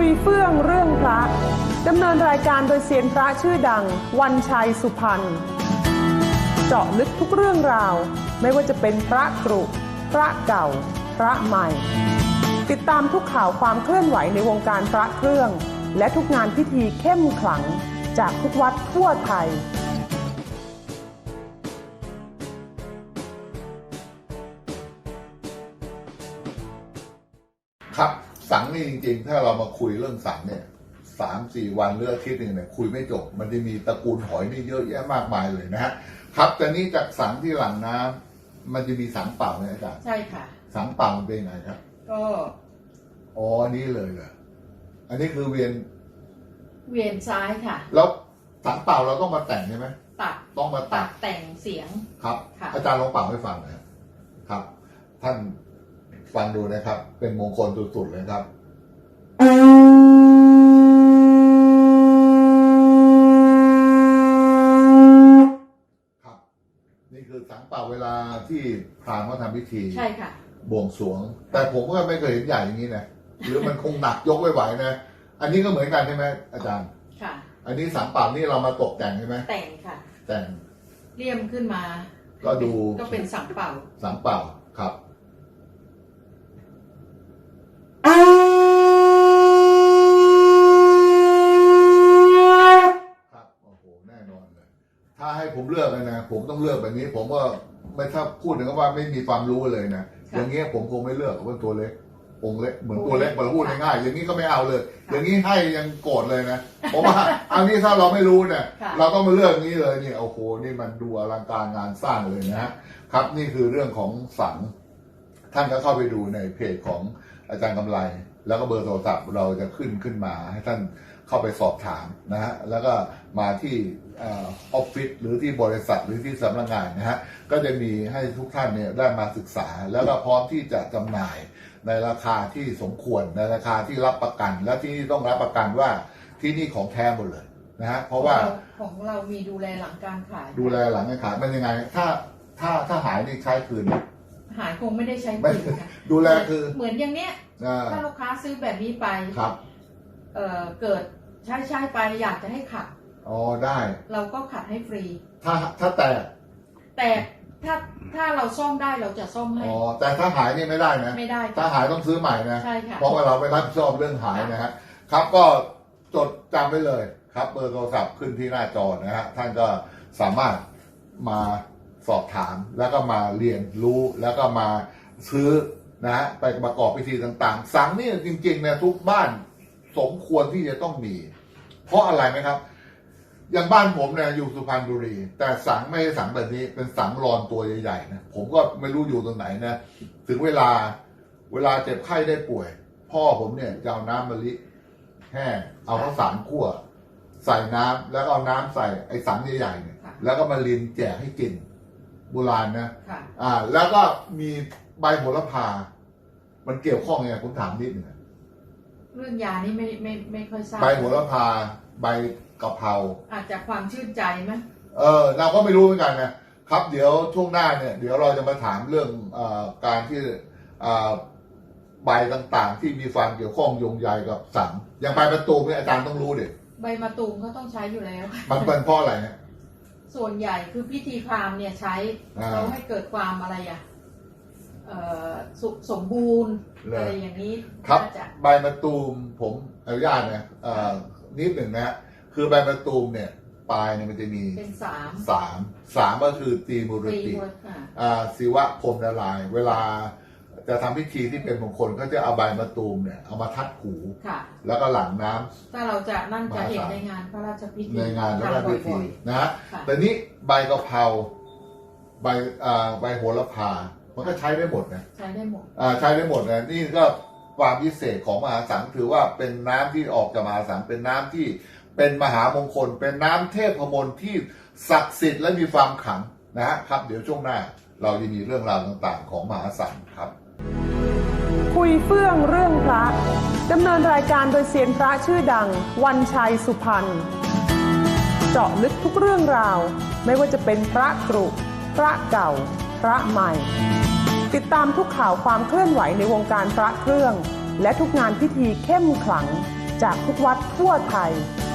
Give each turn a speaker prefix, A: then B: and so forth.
A: ยเฟื่องเรื่องพระดำเนินรายการโดยเซียนพระชื่อดังวันชัยสุพรรณเจาะลึกทุกเรื่องราวไม่ว่าจะเป็นพระกรุพระเก่าพระใหม่ติดตามทุกข่าวความเคลื่อนไหวในวงการพระเครื่องและทุกงานพิธีเข้มขลังจากทุกวัดทั่วไทย
B: ครับสังนี่จริงๆถ้าเรามาคุยเรื่องสังเนี่ย3-4 วันหรืออาทิตย์หนึ่งเนี่ยคุยไม่จบมันจะมีตระกูลหอยนี่เยอะแยะมากมายเลยนะฮะครับแต่นี้จากสังที่หลังน้ำมันจะมีสังเปล่าไหมอาจารย์
C: ใช่ค่ะ
B: สังเปล่าเป็นไงครับ
C: ก็
B: อันนี้เลยเหรออันนี้คือเวียน
C: ซ้ายค่ะ
B: แล้วสังเปล่าเราต้องมาแต่งใช่ไหมต้องมาตัด
C: แต่งเสียง
B: ครับอาจารย์ลองเป่าให้ฟังนะครับท่านฟังดูนะครับเป็นมงคลสุดๆเลยครับครับนี่คือสังเป่าเวลาที่พราหมณ์เขาทำพิธี
C: ใช่ค่ะ
B: บวงสรวงแต่ผมก็ไม่เคยเห็นใหญ่อย่างนี้นะหรือมันคงหนักยกไม่ไหวนะอันนี้ก็เหมือนกันใช่ไหมอาจารย์
C: ค่ะ
B: อันนี้สังเป่านี่เรามาตกแต่งใช่ไหม
C: แต่งค่ะ
B: แต่ง
C: เลี่ยมขึ้นมา
B: ก็ดู
C: ก็เป็นสังเป่า
B: ครับแน่นอนเลยถ้าให้ผมเลือกเลยนะผมต้องเลือกแบบนี้ผมก็ไม่ถ้าพูดถึงว่าไม่มีความรู้เลยนะอย่างเงี้ยผมคงไม่เลือกเพราะตัวเล็กองค์เล็กเหมือนตัวเล็กเราพูดง่ายๆอย่างนี้ก็ไม่เอาเลยอย่างนี้ให้ยังโกรธเลยนะเพราะว่าอันนี้ถ้าเราไม่รู้เนี่ยเราก็มาเลือกนี้เลยนี่โอ้โหนี่มันดูอลังการงานสร้างเลยนะครับนี่คือเรื่องของสังท่านก็เข้าไปดูในเพจของอาจารย์กำไลแล้วก็เบอร์โทรศัพท์เราจะขึ้นมาให้ท่านเข้าไปสอบถามนะฮะแล้วก็มาที่ออฟฟิศหรือที่บริษัทหรือที่สำนักงานนะฮะก็จะมีให้ทุกท่านเนี่ยได้มาศึกษาแล้วก็พร้อมที่จะจำหน่ายในราคาที่สมควรในราคาที่รับประกันและที่นี่ต้องรับประกันว่าที่นี่ของแท้หมดเลยนะฮะเพราะว่า
C: ของเรามีดูแลหลังการขาย
B: ดูแลหลังการขายมันยังไงถ้าหายนี่ใช้คืน
C: หายคงไม่ได้ใช้คืนค่ะ
B: ดูแลคือ
C: เหมือนอย่างเนี้ยถ้าลูกค้าซื้อแบบนี้ไป
B: ครับ
C: เกิดใช้ไปอยากจะให้ขัด
B: ได้
C: เราก็ขัดให้ฟรี
B: ถ้าแต่
C: ถ้าเราซ่อมได้เราจะซ่อมให้
B: แต่ถ้าหายนี่ไม่ได้นะ
C: ไม่ได้
B: ถ้าหายต้องซื้อใหม่นะ
C: ใช่ค่ะ
B: เพราะว่าเราไม่รับผิดชอบเรื่องหายนะฮะครับก็จดจำไว้เลยครับเบอร์โทรศัพท์ขึ้นที่หน้าจอนะฮะท่านก็สามารถมาสอบถามแล้วก็มาเรียนรู้แล้วก็มาซื้อนะฮะไปประกอบพิธีต่างๆสังนี่จริงๆเนี่ยทุกบ้านสมควรที่จะต้องมีเพราะอะไรไหมครับอย่างบ้านผมเนี่ยอยู่สุพรรณบุรีแต่สังไม่ใช่สังแบบนี้เป็นสังรอนตัวใหญ่ๆนะผมก็ไม่รู้อยู่ตรงไหนนะถึงเวลาเจ็บไข้ได้ป่วยพ่อผมเนี่ยจะเอาน้ำมะลิแห้งเอาข้าวสารคั่วใส่น้ำแล้วก็เอาน้ำใส่ไอ้สังใหญ่ๆเนี่ยแล้วก็มาลินแจกให้กินโบราณนะแล้วก็มีใบโหระพามันเกี่ยวข้องยังไงผมถามนิดหนึ่ง
C: เรื่องยานี่ไม่ค่อยทราบ
B: ใบโหระพาใบกะเพรา
C: อาจจะความชื่นใจไหม
B: เราก็ไม่รู้เหมือนกันนะครับเดี๋ยวช่วงหน้าเนี่ยเดี๋ยวเราจะมาถามเรื่องการที่ใบต่างๆที่มีความเกี่ยวข้องโยงใยกับสังอย่างใบมะตูมเนี่ยอาจารย์ต้องรู้ดิ
C: ใบมะตูมก็ต้องใช้อยู่แล้ว
B: มันเป็นเพราะอะไรฮะ
C: ส่วนใหญ่คือพิธีพราหมณ์เนี่ยใช้เราให้เกิดความอะไรสมบูรณ์อะไรอย่างนี้
B: ครับใบมะตูมผมอนุญาตนะนิดหนึ่งนะคือใบมะตูมเนี่ยปลายเนี่ยมันจะมี
C: เป็น
B: สามก็คือตีมุรติศิวะพรหมนารายณ์เวลาจะทำพิธีที่เป็นมงคลก็จะเอาใบมะตูมเนี่ยเอามาทัดหูแล้วก็หลั่งน้ำ
C: ถ้าเราจะนั่นจะเห็นในงานพระราชพิธี
B: ในงานพระราชพิธีนะแต่นี้ใบกะเพราใบโหระพามันก็ใช้ได้หมดนะ
C: ใช้ได้หมด
B: ใช้ได้หมดนะนี่ก็ความพิเศษของมหาสังถือว่าเป็นน้ำที่ออกจากมหาสังเป็นน้ำที่เป็นมหามงคลเป็นน้ำเทพมนต์ที่ศักดิ์สิทธิ์และมีความขลังนะครับเดี๋ยวช่วงหน้าเราจะมีเรื่องราวต่างๆของมหาสังครับ
A: คุยเฟื่องเรื่องพระดำเนินรายการโดยเซียนพระชื่อดังวันชัยสุพรรณเจาะลึกทุกเรื่องราวไม่ว่าจะเป็นพระกรุพระเก่าพระใหม่ติดตามทุกข่าวความเคลื่อนไหวในวงการพระเครื่องและทุกงานพิธีเข้มขลังจากทุกวัดทั่วไทย